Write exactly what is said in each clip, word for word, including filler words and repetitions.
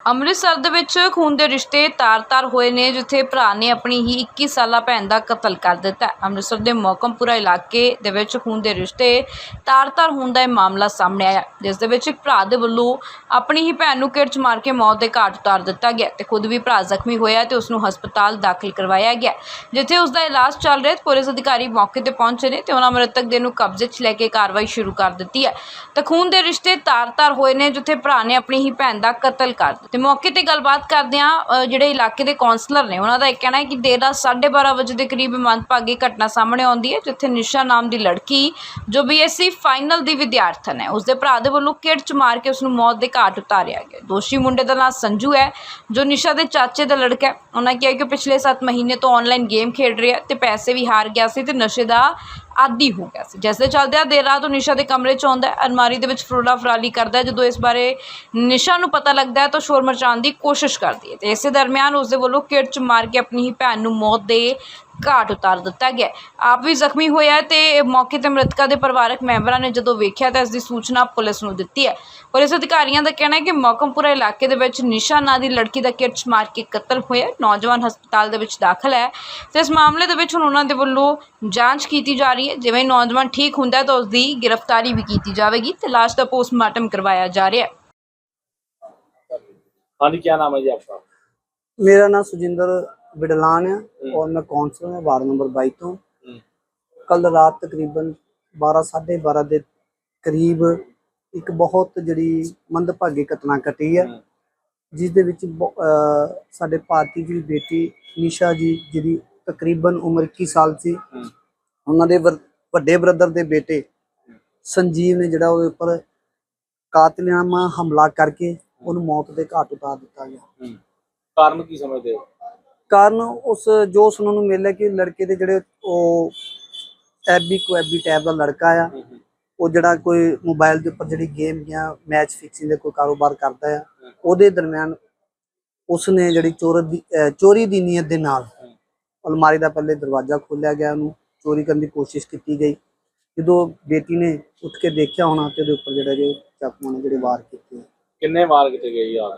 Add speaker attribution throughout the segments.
Speaker 1: ਅੰਮ੍ਰਿਤਸਰ ਦੇ ਵਿੱਚ ਖੂਨ ਦੇ ਰਿਸ਼ਤੇ ਤਾਰ-ਤਾਰ ਹੋਏ ਨੇ, ਜਿੱਥੇ ਭਰਾ ਨੇ ਆਪਣੀ ਹੀ ਇੱਕੀ ਸਾਲਾ ਭੈਣ ਦਾ ਕਤਲ ਕਰ ਦਿੱਤਾ। ਅੰਮ੍ਰਿਤਸਰ ਦੇ ਮੋਹਕਮਪੁਰਾ ਇਲਾਕੇ ਦੇ ਵਿੱਚ ਖੂਨ ਦੇ ਰਿਸ਼ਤੇ ਤਾਰ-ਤਾਰ ਹੋਣ ਦਾ ਇਹ ਮਾਮਲਾ ਸਾਹਮਣੇ ਆਇਆ, ਜਿਸ ਦੇ ਵਿੱਚ ਇੱਕ ਭਰਾ ਦੇ ਵੱਲੋਂ ਆਪਣੀ ਹੀ ਭੈਣ ਨੂੰ ਕਿਰਚ ਮਾਰ ਕੇ ਮੌਤ ਦੇ ਘਾਟ ਉਤਾਰ ਦਿੱਤਾ ਗਿਆ ਤੇ ਖੁਦ ਵੀ ਭਰਾ ਜ਼ਖਮੀ ਹੋਇਆ ਤੇ ਉਸ ਨੂੰ ਹਸਪਤਾਲ ਦਾਖਲ ਕਰਵਾਇਆ ਗਿਆ, ਜਿੱਥੇ ਉਸ ਦਾ ਇਲਾਜ ਚੱਲ ਰਿਹਾ। ਪੁਲਿਸ ਅਧਿਕਾਰੀ ਮੌਕੇ ਤੇ ਪਹੁੰਚੇ ਨੇ ਤੇ ਉਹਨਾਂ ਮ੍ਰਿਤਕ ਦੇ ਨੂੰ ਕਬਜ਼ੇ 'ਚ ਲੈ ਕੇ ਕਾਰਵਾਈ ਸ਼ੁਰੂ ਕਰ ਦਿੱਤੀ ਹੈ। ਤਾਂ ਖੂਨ ਦੇ ਰਿਸ਼ਤੇ ਤਾਰ-ਤਾਰ ਹੋਏ ਨੇ, ਜਿੱਥੇ ਭਰਾ ਨੇ ਆਪਣੀ ਹੀ ਭੈਣ ਦਾ ਕਤਲ ਕਰ ਦਿੱਤਾ। ਤੇ ਮੌਕੇ ਤੇ ਗੱਲਬਾਤ ਕਰਦਿਆਂ ਜਿਹੜੇ ਇਲਾਕੇ ਦੇ ਕੌਂਸਲਰ ਨੇ, ਉਹਨਾਂ ਦਾ ਇਹ ਕਹਿਣਾ ਹੈ ਕਿ ਦੇਰ ਰਾਤ ਸਾਢੇ ਬਾਰਾਂ ਵਜੇ ਦੇ ਕਰੀਬ ਮੰਦਭਾਗੀ ਘਟਨਾ ਸਾਹਮਣੇ ਆਉਂਦੀ ਹੈ, ਜਿੱਥੇ ਨਿਸ਼ਾ ਨਾਮ ਦੀ ਲੜਕੀ ਜੋ ਬੀਐਸਸੀ ਫਾਈਨਲ ਦੀ ਵਿਦਿਆਰਥਣ ਹੈ, ਉਸਦੇ ਭਰਾ ਦੇ ਵੱਲੋਂ ਕਿਰਚ ਮਾਰ ਕੇ ਉਸ ਨੂੰ ਮੌਤ ਦੇ ਘਾਟ ਉਤਾਰਿਆ ਗਿਆ। ਦੋਸ਼ੀ ਮੁੰਡੇ ਦਾ ਨਾਮ ਸੰਜੂ ਹੈ, ਜੋ ਨਿਸ਼ਾ ਦੇ ਚਾਚੇ ਦਾ ਲੜਕਾ ਹੈ। ਉਹਨਾਂ ਕਿਹਾ ਕਿ ਪਿਛਲੇ ਸੱਤ ਮਹੀਨੇ ਤੋਂ ਆਨਲਾਈਨ ਗੇਮ ਖੇਡ ਰਿਹਾ ਤੇ ਪੈਸੇ ਵੀ ਹਾਰ ਗਿਆ ਸੀ ਤੇ ਨਸ਼ੇ ਦਾ ਆਦੀ ਹੋ ਗਿਆ ਸੀ, ਜਿਸ ਦੇ ਚੱਲਦਿਆਂ ਦੇਰ ਰਾਤ ਉਹ ਨਿਸ਼ਾ ਦੇ ਕਮਰੇ 'ਚ ਆਉਂਦਾ ਹੈ, ਅਲਮਾਰੀ ਦੇ ਵਿੱਚ ਫਰੋਲਾ ਫਰਾਲੀ ਕਰਦਾ ਹੈ। ਜਦੋਂ ਇਸ ਬਾਰੇ ਨਿਸ਼ਾ ਨੂੰ ਪਤਾ ਲੱਗਦਾ ਹੈ ਤਾਂ ਸ਼ੋਰ ਮਚਾਉਣ ਦੀ ਕੋਸ਼ਿਸ਼ ਕਰਦੀ ਹੈ ਤੇ ਇਸੇ ਦਰਮਿਆਨ ਉਸ ਦੇ ਵੱਲੋਂ ਕਿਰਚ ਮਾਰ ਕੇ ਆਪਣੀ ਹੀ ਭੈਣ ਨੂੰ ਮੌਤ ਦੇ ਘਾਟ ਉਤਾਰ ਦਿੱਤਾ ਗਿਆ। ਆਪ ਵੀ ਜ਼ਖਮੀ ਹੋਇਆ ਤੇ ਮੌਕੇ ਤੇ ਮ੍ਰਿਤਕਾ ਦੇ ਪਰਿਵਾਰਕ ਮੈਂਬਰਾਂ ਨੇ ਜਦੋਂ ਵੇਖਿਆ ਤਾਂ ਇਸ ਦੀ ਸੂਚਨਾ ਪੁਲਿਸ ਨੂੰ ਦਿੱਤੀ ਹੈ। ਪੁਲਿਸ ਅਧਿਕਾਰੀਆਂ ਦਾ ਕਹਿਣਾ ਹੈ ਕਿ ਮੋਹਕਮਪੁਰਾ ਇਲਾਕੇ ਦੇ ਵਿੱਚ ਨਿਸ਼ਾ ਨਾਂ ਦੀ ਲੜਕੀ ਦਾ ਕਿਰਚ ਮਾਰ ਕੇ ਕਤਲ ਹੋਇਆ। ਨੌਜਵਾਨ ਹਸਪਤਾਲ ਦੇ ਵਿੱਚ ਦਾਖਲ ਹੈ ਤੇ ਇਸ ਮਾਮਲੇ ਦੇ ਵਿੱਚ ਹੁਣ ਉਹਨਾਂ ਦੇ ਵੱਲੋਂ ਜਾਂਚ ਕੀਤੀ ਜਾ ਰਹੀ ਹੈ। ਜਿਵੇਂ ਨੌਜਵਾਨ ਠੀਕ ਹੁੰਦਾ ਤਾਂ ਉਸ ਦੀ ਗ੍ਰਿਫਤਾਰੀ ਵੀ ਕੀਤੀ ਜਾਵੇਗੀ ਤੇ ਲਾਸ਼ ਦਾ ਪੋਸਟਮਾਰਟਮ ਕਰਵਾਇਆ ਜਾ ਰਿਹਾ है।
Speaker 2: हाँ जी, क्या नाम है जी आपका?
Speaker 3: मेरा नाम सुजिंदर बिडलान है और मैं कौंसलर हूँ वार्ड नंबर बाई तो। कल रात तकरीबन बारह साढ़े बारह के करीब एक बहुत जी मंदभागी घटना घटी है, जिस दे विच साडे भारती जी बेटी निशा जी जी तकरीबन उम्र इक्की साल सी, उन्होंने वड्डे ब्रदर के बेटे संजीव ने जिहड़ा उहदे उपर कातिलाना हमला करके उन्हें मौत के घाट उतार दिता गया।
Speaker 2: कारण की समझते हो?
Speaker 3: कारण उस जो सुनने को मिल है कि लड़के के जिहड़े एबी कुएबी टाइप का लड़का आ, वो जिहड़ा कोई मोबाइल के उपर जिहड़ी गेम या मैच फिक्सिंग का कोई कारोबार करता है, उहदे दरम्यान उसने जिहड़ी चोर दी चोरी की नीयत के नाल अलमारी का पहले दरवाजा खोलिया गया, उन्होंने चोरी करने की कोशिश की गई। जो बेटी ने उठ के देखा होना तो उहदे उपर जिहड़े जो चाकू ने जिहड़े वार किए।
Speaker 2: किन्ने वार किए गए यार?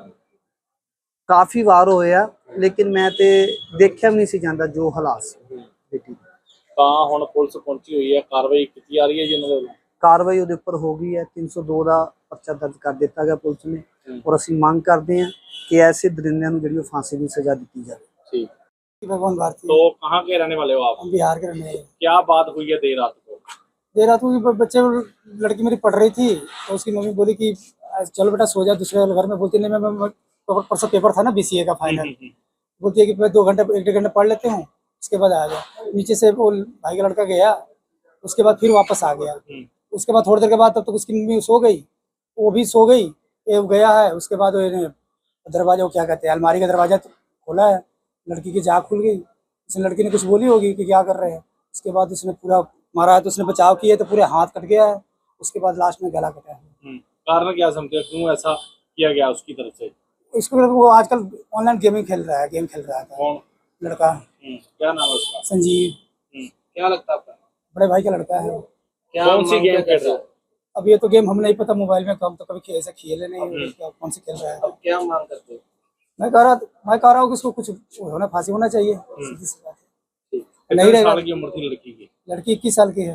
Speaker 3: काफ़ी वार होए आ, लेकिन मैं तो देखा भी नहीं सी जांदा जो हालात सी बेटी।
Speaker 2: ਤਾਂ ਹੁਣ ਪੁਲਿਸ ਪਹੁੰਚੀ ਹੋਈ ਹੈ, ਕਾਰਵਾਈ ਕੀਤੀ ਜਾ ਰਹੀ है जी उन्होंने?
Speaker 3: कार्रवाई उहदे उपर हो गई है, तीन सौ दो का परचा दर्ज कर दिता गया पुलिस ने, और असीं मांग करते हैं कि ऐसे दरिंदियां नूं जिहड़ी फांसी की सज़ा दी जाए।
Speaker 2: ठीक।
Speaker 4: भगवान भारती,
Speaker 2: तो कहाँ के रहने वाले हो आप?
Speaker 4: हम बिहार के रहने वाले हैं।
Speaker 2: क्या बात हुई है देर रात को?
Speaker 4: देर रात को बच्चे लड़की मेरी पढ़ रही थी तो उसकी मम्मी बोली कि चलो बेटा सो जा दूसरे वाले घर में। बोलती नहीं, मैं, मैं परसों पेपर था ना बीसीए का फाइनल, बोलती है कि मैं दो घंटे एक डेढ़ घंटे पढ़ लेते हूँ, उसके बाद आ गया। नीचे से वो भाई का लड़का गया, उसके बाद फिर वापस आ गया। उसके बाद थोड़ी देर के बाद तब तक उसकी मम्मी सो गई, वो भी सो गई, ये गया है। उसके बाद दरवाजा, वो क्या कहते हैं, अलमारी का दरवाजा खोला है, लड़की की जाग खुल गई। उसने लड़की ने कुछ बोली होगी कि क्या कर रहे हैं। उसके बाद उसने पूरा मारा है, तो उसने बचाव किया तो पूरे हाथ कट गया है। उसके बाद लास्ट में गला कटा है।
Speaker 2: कारण क्या समझते हो, क्यों ऐसा किया गया उसकी तरफ से?
Speaker 4: इसको वो आजकल ऑनलाइन गेमिंग खेल रहा है, गेम खेल रहा था।
Speaker 2: कौन
Speaker 4: लड़का?
Speaker 2: क्या नाम है उसका?
Speaker 4: संजीव।
Speaker 2: क्या लगता है आपका?
Speaker 4: बड़े भाई का लड़का है।
Speaker 2: क्या कौन सी गेम खेल रहा है?
Speaker 4: अब ये तो गेम हम नहीं पता, मोबाइल में कम तो कभी ऐसा खेले नहीं, क्या कौन सी खेल रहा है।
Speaker 2: अब क्या मांग करते हो?
Speaker 4: मैं कह रहा मैं कह रहा हूँ कि इसको कुछ होना, फांसी होना चाहिए, सीधी सी बात है। नहीं रहेगा।
Speaker 2: साल की उम्र थी लड़की की?
Speaker 4: लड़की इक्कीस साल की है,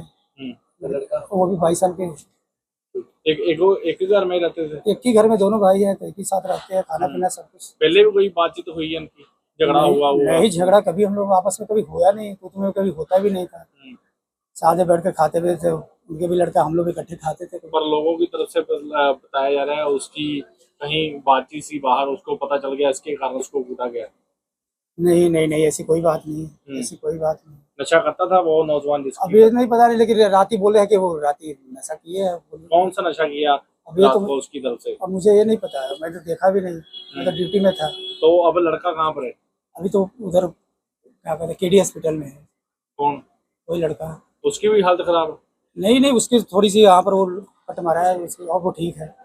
Speaker 2: लड़का
Speaker 4: वो भी बाईस साल के है।
Speaker 2: एक एक एक ही घर में रहते थे?
Speaker 4: एक ही घर में दोनों भाई हैं, तो एक ही साथ रहते हैं, खाना पीना सब कुछ।
Speaker 2: पहले भी कोई बातचीत हुई है इनकी? झगड़ा हुआ हुआ?
Speaker 4: नहीं, झगड़ा कभी हम लोग आपस में कभी हुआ नहीं, तो तुम्हें कभी होता भी नहीं था। साथ में बैठ कर खाते भी थे, उनके भी लड़का, हम लोग इकट्ठे खाते थे।
Speaker 2: पर लोगों की तरफ से बताया जा रहा है उसकी कहीं बातचीत सी बाहर, उसको पता चल गया, इसके कारण उसको कूदा गया।
Speaker 4: नहीं नहीं नहीं, ऐसी कोई बात नहीं, ऐसी कोई बात नहीं।
Speaker 2: नशा करता था वो नौजवान जिसकी?
Speaker 4: अभी नहीं पता नहीं, लेकिन रात ही बोले हैं कि वो रात ही नशा किए है।
Speaker 2: कौन सा नशा किया
Speaker 4: अभी
Speaker 2: रात
Speaker 4: तो
Speaker 2: को उसकी तरफ से?
Speaker 4: अब मुझे ये नहीं पता है, मैं तो देखा भी नहीं, मैं तो ड्यूटी में था।
Speaker 2: तो अब लड़का कहाँ पर है?
Speaker 4: अभी तो उधर क्या कहते हैं, केडी हॉस्पिटल में है।
Speaker 2: कौन?
Speaker 4: वही लड़का।
Speaker 2: उसकी भी हालत खराब है?
Speaker 4: नहीं नहीं, उसकी थोड़ी सी यहाँ पर वो कट मारा है उसकी, और वो ठीक है।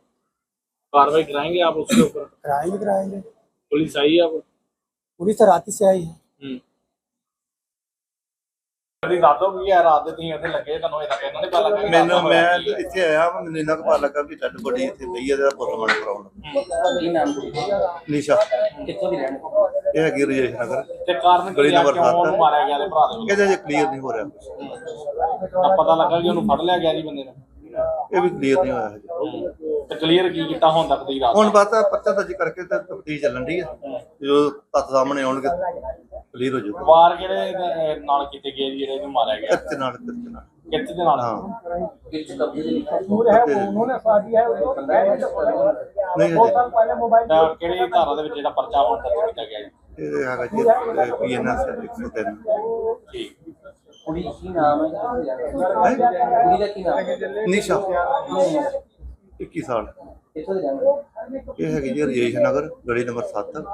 Speaker 2: कार्रवाई कराएंगे आप उसके ऊपर?
Speaker 4: कराएंगे कराएंगे।
Speaker 2: पुलिस आई है अब?
Speaker 4: पुलिस तो रात ही से आई है।
Speaker 2: कभी रात हो गई है रात ਦੇ ਤੁਸੀਂ ਉੱਥੇ ਲੱਗੇ ਤੁਹਾਨੂੰ ਇਹ ਤਾਂ ਕਹਿੰਦਾ ਨਹੀਂ ਪਤਾ ਲੱਗਾ
Speaker 5: ਮੈਨੂੰ ਮੈਂ ਇੱਥੇ ਆਇਆ ਵਾਂ, ਮੈਨੂੰ ਇੰਨਾ ਕੁ ਪਤਾ ਲੱਗਾ ਵੀ ਡੈਡ ਬੋਡੀ ਇੱਥੇ ਪਈ ਹੈ, ਇਹਦਾ ਪੋਸਟਮਾਰਟਮ ਕਰਾਉਣਾ।
Speaker 6: ਕੀ ਨਾਮ ਕੁੜੀ ਦਾ?
Speaker 5: ਨਿਸ਼ਾ
Speaker 6: ਕਿੱਥੋਂ ਦੀ ਰਹਿਣ ਵਾਲੀ?
Speaker 5: ਇਹ ਹੈਗੀ ਰਜੇਸ਼ ਨਗਰ,
Speaker 2: ਤੇ ਕਾਰਨ
Speaker 5: ਗਲੀ
Speaker 2: ਕੀ ਆ
Speaker 5: ਨੰਬਰ
Speaker 2: ਕਿਉਂ ਉਹਨੂੰ
Speaker 5: ਸੱਤ।
Speaker 2: ਮਾਰਿਆ ਗਿਆ ਤੇ ਭਰਾ ਦੇ
Speaker 5: ਇਹਦੇ ਜੇ ਕਲੀਅਰ ਨਹੀਂ ਹੋ ਰਿਹਾ ਕੁਛ।
Speaker 2: ਤਾਂ ਪਤਾ ਲੱਗਾ ਕਿ ਉਹਨੂੰ ਫੜ ਲਿਆ ਗਿਆ ਜੀ ਬੰਦੇ ਨੂੰ
Speaker 5: ਇਹ ਵੀ ਕਲੀਅਰ ਨਹੀਂ ਹੋਇਆ ਹਜੇ।
Speaker 2: ਤੇ ਕਲੀਅਰ ਕੀ ਕੀਤਾ ਹੁਣ ਤੱਕ ਦੀ ਰਾਤ
Speaker 5: ਹੁਣ ਬਸ ਆਹ ਪਰਚਾ ਦਰਜ ਕਰਕੇ ਤੇ ਤਫਤੀਸ਼ ਚੱਲਣ ਦੀ ਹੈ, ਜਦੋਂ ਤੱਥ ਸਾਹਮਣੇ ਆਉਣਗੇ ਕਲੀਅਰ ਹੋ ਜਾਊਗਾ।
Speaker 2: ਵਾਰ ਕਿਹੜੇ ਇਹਦੇ ਨਾਲ ਕੀਤੇ ਗਏ ਜੀ ਜਿਹੜੇ ਇਹਨੂੰ ਮਾਰਿਆ ਗਿਆ
Speaker 5: ਕਿੱਥੇ ਨਾਲ ਕਿੱਥੇ ਨਾਲ
Speaker 2: ਕਿੱਥੇ ਦੇ ਨਾਲ
Speaker 5: ਹਾਂ
Speaker 6: ਕਿਸ ਕਬਜ਼ੇ ਦੇ ਲਿਖਿਆ
Speaker 5: ਨਹੀਂ ਹਜੇ
Speaker 2: ਤਾਂ ਕਿਹੜੀ ਧਾਰਾ ਦੇ ਵਿੱਚ ਜਿਹੜਾ ਪਰਚਾ ਹੁਣ ਦਰਜ ਕੀਤਾ ਗਿਆ ਜੀ
Speaker 5: ਇਹ ਹੈਗਾ ਜੀ ਪੀ ਐਨ ਐਸ ਇੱਕ ਸੌ ਤਿੰਨ।
Speaker 2: ਠੀਕ
Speaker 6: ਕੁੜੀ ਕੀ ਨਾਮ ਹੈ? ਕੁੜੀ ਦਾ ਕੀ ਨਾਮ ਹੈ?
Speaker 5: ਨਿਸ਼ਾ ਇੱਕੀ ਸਾਲ,
Speaker 6: ਕਿੱਥੋਂ ਦੀ ਰਹਿਣ ਵਾਲੀ?
Speaker 5: ਇਹ ਹੈਗੀ ਜੀ ਰਜੇਸ਼ ਨਗਰ, ਗਲੀ ਨੰਬਰ ਸੱਤ।